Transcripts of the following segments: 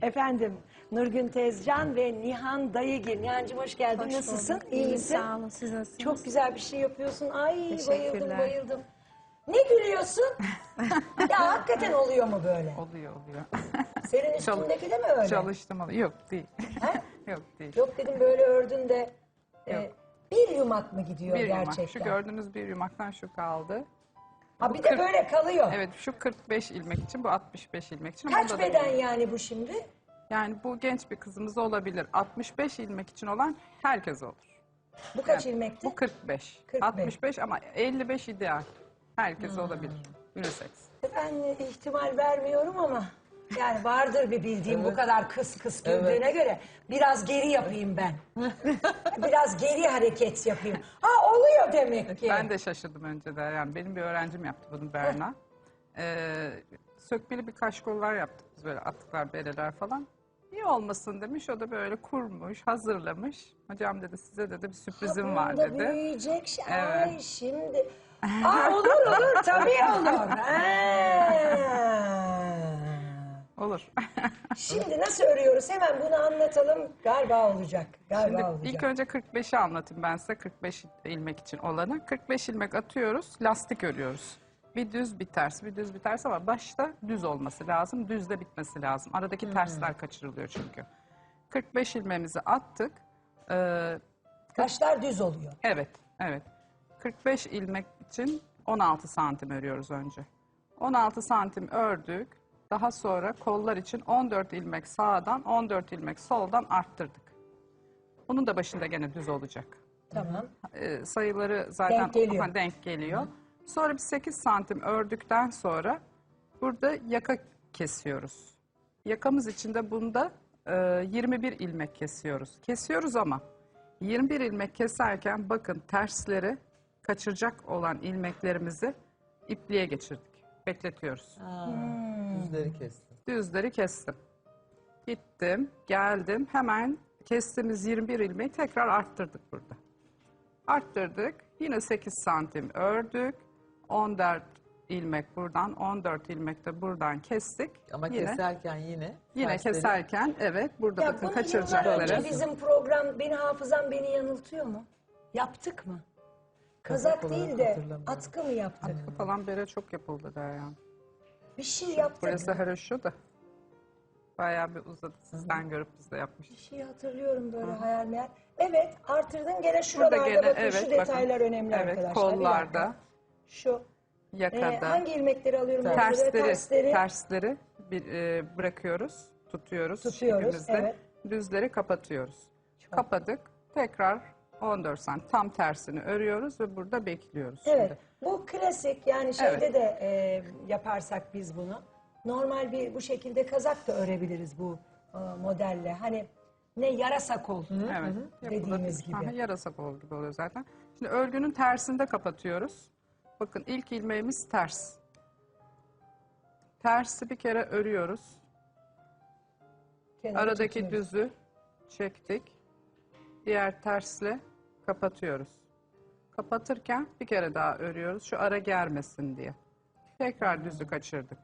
Efendim, Nurgün Tezcan ve Nihan Dayıgil. Nihan'cığım hoş geldin. Hoş Nasılsın? bulduk. İyi misin? Sağ olun. Siz nasılsınız? Çok güzel bir şey yapıyorsun. Ay bayıldım Teşekkürler. bayıldım. Ne gülüyorsun? Ya hakikaten oluyor mu böyle? Oluyor. Senin üstündeki de mi öyle? Çalıştım ama yok değil. He? Yok değil. Yok dedim böyle ördün de Yok. bir yumak mı gidiyor Bir yumak. gerçekten? Şu gördüğünüz bir yumaktan şu kaldı. Ha Bu bir de 40 böyle kalıyor. Evet, şu 45 ilmek için, bu 65 ilmek için. Kaç Bunda da beden bir- yani bu şimdi? Yani bu genç bir kızımız olabilir. 65 ilmek için olan herkes olur. Bu kaç Yani ilmekti? Bu 45. 45. 65 ama 55 ideal. Herkes olabilir. Unisex. Ben ihtimal vermiyorum ama yani vardır bir bildiğim bu kadar kıs güldüğüne göre biraz geri yapayım ben. Biraz geri hareket yapayım. Ha oluyor demek ki. Ben de şaşırdım önceden. Yani benim bir öğrencim yaptı bunu, Berna. Sökmeli bir kaşkollar yaptık biz, böyle atlıklar, bereler falan. İyi olmasın demiş. O da böyle kurmuş, hazırlamış. Hocam dedi, size dedi bir sürprizim var Bunda dedi. büyüyecek şey. Evet. Ay şimdi. Aa, olur tabii olur. Olur. Şimdi nasıl örüyoruz? Hemen bunu anlatalım. Galiba olacak. Galiba Şimdi olacak. ilk önce 45'i anlatayım ben size. 45 ilmek için olanı. 45 ilmek atıyoruz, lastik örüyoruz. Bir düz bir ters, bir düz bir ters ama başta düz olması lazım. Düzde bitmesi lazım. Aradaki tersler kaçırılıyor çünkü. 45 ilmeğimizi attık. Kaşlar düz oluyor. Evet. 45 ilmek için 16 santim örüyoruz önce. 16 santim ördük. Daha sonra kollar için 14 ilmek sağdan, 14 ilmek soldan arttırdık. Bunun da başında gene düz olacak. Tamam. Sayıları zaten Denk geliyor. denk geliyor. Sonra bir 8 santim ördükten sonra burada yaka kesiyoruz. Yakamız için de bunda 21 ilmek kesiyoruz. Kesiyoruz ama 21 ilmek keserken bakın tersleri kaçıracak olan ilmeklerimizi ipliğe geçirdik. Bekletiyoruz. Düzleri kestim. Düzleri kestim. Gittim, geldim. Hemen kestiğimiz 21 ilmeği tekrar arttırdık burada. Arttırdık. Yine 8 santim ördük. 14 ilmek buradan, 14 ilmek de buradan kestik. Ama yine, keserken yine Yine tersleri- keserken evet burada Ya bakın bunu yıllar kaçıracakları. önce bizim program, hafızam beni yanıltıyor mu? Yaptık mı? Kazak Kazak değil olarak de hatırlamıyorum. atkı mı yaptık? Falan bere çok yapıldı der yani. Bir şey yaptık. Burası haroşo da. Bayağı bir uzadı. Sizden görüp biz de Bir yapmıştık. şey hatırlıyorum böyle hayal meyal. Evet artırdın gene şuralarda Burada gene, bakın evet, şu detaylar bakın. önemli Evet, arkadaşlar. Bir kollarda, dakika. Şu yakada, hangi ilmekleri alıyorum? Ben böyle tersleri bırakıyoruz, tutuyoruz Tutuyoruz, ipimizle. evet. Düzleri kapatıyoruz. Kapadık. Tekrar 14 santim tam tersini örüyoruz ve burada bekliyoruz. Evet. Şimdi. Bu klasik yani şeyde Evet. de yaparsak biz bunu. Normal bir bu şekilde kazak da örebiliriz bu modelle. Hani ne yarasa kol Evet. dediğimiz gibi. Aha, yarasa kol gibi oluyor zaten. Şimdi örgünün tersini de kapatıyoruz. Bakın ilk ilmeğimiz ters. Tersi bir kere örüyoruz. Kenara Aradaki tutuyoruz. düzü çektik. Diğer tersle kapatıyoruz. Kapatırken bir kere daha örüyoruz. Şu ara germesin diye. Tekrar düzü kaçırdık.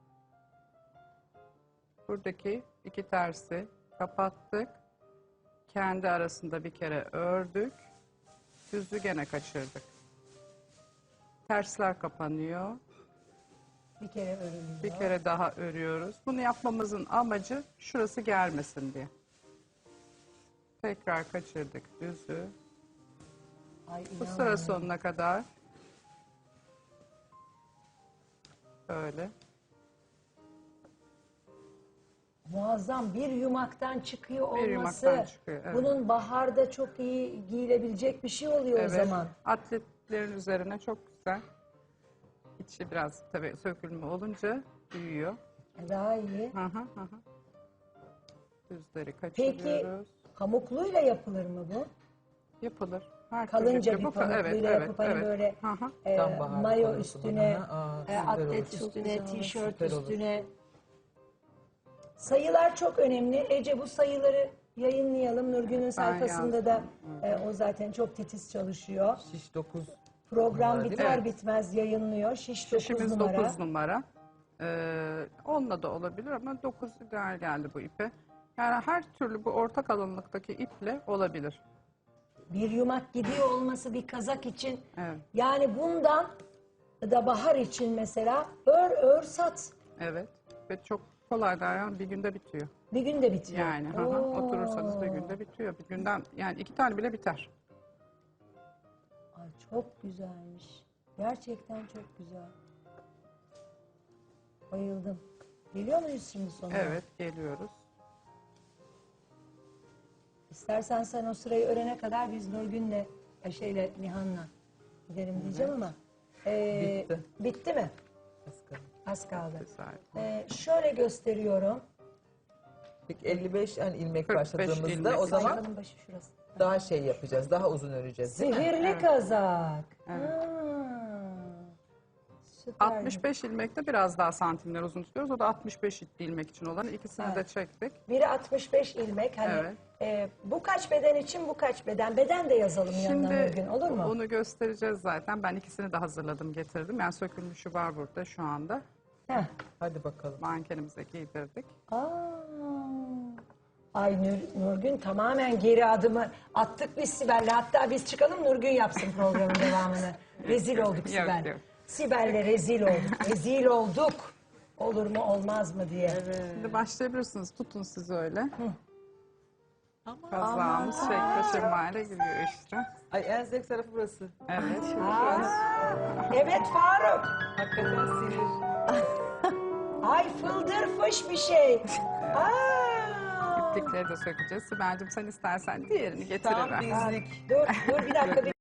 Buradaki iki tersi kapattık. Kendi arasında bir kere ördük. Düzü gene kaçırdık. Tersler kapanıyor. Bir kere örülüyor. Bir kere daha örüyoruz. Bunu yapmamızın amacı şurası germesin diye. Tekrar kaçırdık düzü. Ay, Bu inan. sıra sonuna kadar böyle. Muazzam bir yumaktan çıkıyor olması. yumaktan çıkıyor, evet. Bunun baharda çok iyi giyilebilecek bir şey oluyor o zaman. Atletlerin üzerine çok güzel. İçi biraz tabii sökülme olunca büyüyor. Daha iyi. Hı hı. Düzleri Peki kaçırıyoruz. pamukluyla yapılır mı bu? Yapılır. Her Kalınca türlü bir yapılır. pamukluyla yapıp hani böyle Hı hı. Tam bahar mayo konusu üstüne, bana. Aa, süper atlet olur. üstüne, tişört Süper olur. üstüne. Sayılar çok önemli. Ece bu sayıları yayınlayalım. Nurgün'ün sayfasında da o zaten çok titiz çalışıyor. Şiş 9. Program Numara değil biter mi? bitmez yayınlıyor. Şiş 9 Şişimiz numara. 9 numara. Onunla da olabilir ama 9 ideal geldi bu ipe. Yani her türlü bu orta kalınlıktaki iple olabilir. Bir yumak gidiyor olması bir kazak için. Evet. Yani bundan da bahar için mesela ör sat. Evet. Ve çok kolay da yani bir günde bitiyor. Bir günde bitiyor. Yani Oo. oturursanız bir günde bitiyor. Bir günden yani 2 tane bile biter. Ay çok güzelmiş. Gerçekten çok güzel. Bayıldım. Geliyor muyuz şimdi sonuna? Evet, geliyoruz. İstersen sen o sırayı örene kadar biz Nurgün'le, Nihan'la gidelim diyeceğim ama. Bitti. Bitti mi? Asgari. Az kaldı. Güzel. Şöyle gösteriyorum. Peki 55 yani ilmek 45 başladığımızda ilmek. o zaman Sayfanın başı şurası. daha şey yapacağız. Daha uzun öreceğiz değil mi? Sihirli kazak. Evet. Ha, süper. 65 ilmekte biraz daha santimler uzun tutuyoruz. O da 65 ilmek için olan ikisini de çektik. Biri 65 ilmek. Hani bu kaç beden için bu kaç beden? Beden de yazalım yanına Şimdi Nurgün, olur mu? onu göstereceğiz zaten. Ben ikisini de hazırladım, getirdim. Yani sökülmüşü var burada şu anda. Heh. Hadi bakalım. Mankenimize giydirdik. Aa. Ay Nurgün tamamen geri adımı attık biz Sibel'le. Hatta biz çıkalım Nurgün yapsın programın devamını. Rezil olduk Sibel. yok. Sibel'le rezil olduk. Rezil olduk. Olur mu olmaz mı diye. Şimdi başlayabilirsiniz. Tutun siz öyle. Ama Kazağımız şekle şemale giriyor işte. ay en zevk tarafı burası. Evet. Evet Faruk. Hakikaten sinir. Ay fıldır fış bir şey. Aa. İplikleri de sökeceğiz. Sibel'cim sen istersen diğerini Tam getiriver. bizlik. Dur bir dakika.